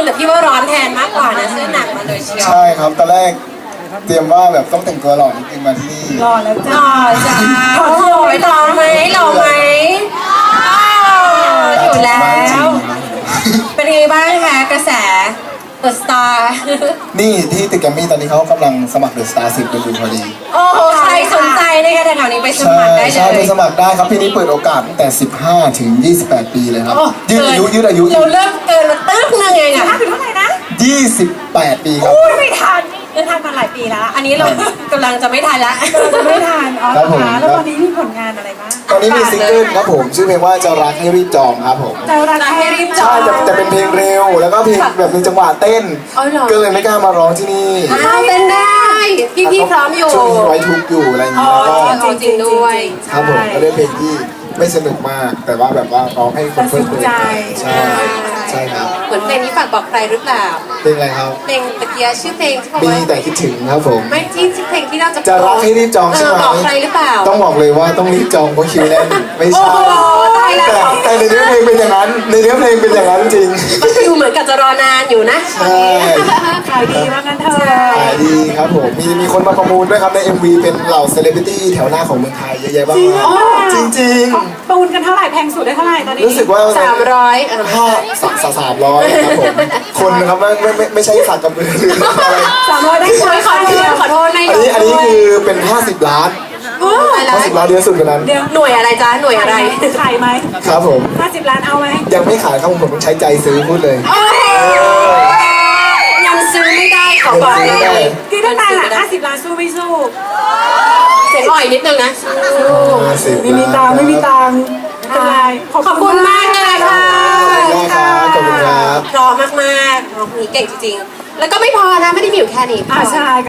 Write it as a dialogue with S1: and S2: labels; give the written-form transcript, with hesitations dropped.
S1: แต่พี่ว่าร้อนแทนมากกว่านะเสื้อหนักมาเลยเชียว
S2: ใช่ครับตอนแรกเตรียมว่าแบบต้องแต่งตัวหล่อนิดนึงมาที่นี่
S3: รอแล้ว
S1: ห
S3: จ้า
S1: ล่อจ้าโอ้โหหล่อไหมหล่อไหมอยู่แล้ว เป็นไงบ้างคะกระแสเดอะสตาร์
S2: นี่ที่ตึกแกรมมี่ตอนนี้เขากำลังสมัครเดอะสตาร์10กันอยู่พอดี
S1: โอ้โหใครสนใจนะคะแถวๆนี้ไปส
S2: ใช่
S1: มัครได้เล
S2: ใช่ไป
S1: ย
S2: สมัครได้ครับพี่นี้เปิดโอกาสตั้งแต่15 ถึง 28 ปีเลยครับยืดอายุ
S1: เราเริ่มเกินมาตึ๊บนึงเองอะ
S3: ถ้าถึงเท่าไหร่นะ
S2: 28 ปีครับ
S3: ไม่ทันมาหลายปีแล้ว
S1: อันนี้เรากำลังจะไม่ทันละ
S3: จะไม่ทันอ๋อนะคะแล้วตอนนี้มีผลงานอะไรบ้าง
S2: ตอนนี้มีซิงเกิลครับผมชื่อเพลงว่าจะรักให้รีบจองครับผม
S3: จะรักให้รีบจอ
S2: ใช่
S3: ง
S2: แต่เป็นเพลงเร็วแล้วก็เพลงแบบมีจังหวะเต้นก็เลยไม่กล้ามาร้องที่นี่
S1: อ้าวเป็นได้พี่พร้อมอยู่
S2: ช่วงนี้ไว้ทุกข์อยู่อะไรอย่างนี้แล้วก็
S1: จริงด้วย
S2: ครับผมก็เล่นเพลงที่ไม่สนุกมาก แต่ว่าแบบว่าร้องให้คนเพลิดเพลินใช่ใช่ครับ
S1: เหมือนเพลงนี้ฝากบอกใครหรือเปล่า
S2: เพลงอะไรครับ
S1: เพลงตะเกียชื่อเพลงที่บอก
S2: มี
S1: ว่า
S2: แต่คิดถึงครับผม
S1: ไม่ที่ชื่อเพลงที่เราจะ
S2: จะรักให้รีบจองใช่ไหม
S1: บอกใครหรือเปล่า
S2: ต้องบอกเลยว่าต้องรีบจองเพราะคิวแน่นไม่ใช่
S1: ตายแล้ว
S2: แต่ในเนื้อเพลงเป็นอย่างนั้นในเนื้อเพลงเป็นอย่างนั้นจริง
S1: มันดูเหมือนกับจะรอนานอยู่นะ
S2: ใช่
S3: ขายดีมากงั้นเถอะ
S2: ขายดีครับผมมีคนมาประมูลด้วยครับใน MV เป็นเหล่าเซเลบริตี้แถวหน้าของเมืองไทยเยอะแยะมากมายจริง
S3: ปูนกันเท่าไหร่แพงสุดได้เท่าไหร่ตอนนี้
S2: ๆรู้สึกว่า
S1: 300
S2: 300ครับผมคนนะครับไม่ใช่สักกับมือหรืออะไร
S3: 300ได้ไหม
S1: ขอโทษใน
S2: อันนี้คือเป็น50 ล้าน 50 ล้านเยอะสุดกว่านั้น
S1: หน่วยอะไรจ๊ะหน่วยอะไร
S3: ขายไหม
S2: ครับผม
S3: 50 ล้านเอาไหม
S2: ยังไม่ขายครับผมต้องใช้ใจซื้อพูดเลย
S1: ยังซื้อไม่ได้ขอบอก
S2: ยังซื้อไม่ได้
S3: ที่ต้องการอ่ะ50 ล้านสู้ไม่สู้
S1: เสียงอ่อยนิดนึงนะ
S2: 50
S3: ไม่มีตังค์ไม่มีตังค์ไม่เป็นไร
S1: ขอบคุณมากเลยค่ะ
S2: ขอบคุณครับขอบคุณครับ
S1: รอมากๆร้องเพลงเก่งจริงๆ แล้วก็ไม่พอนะไม่ได้มีอยู่แค่นี้
S3: ใช่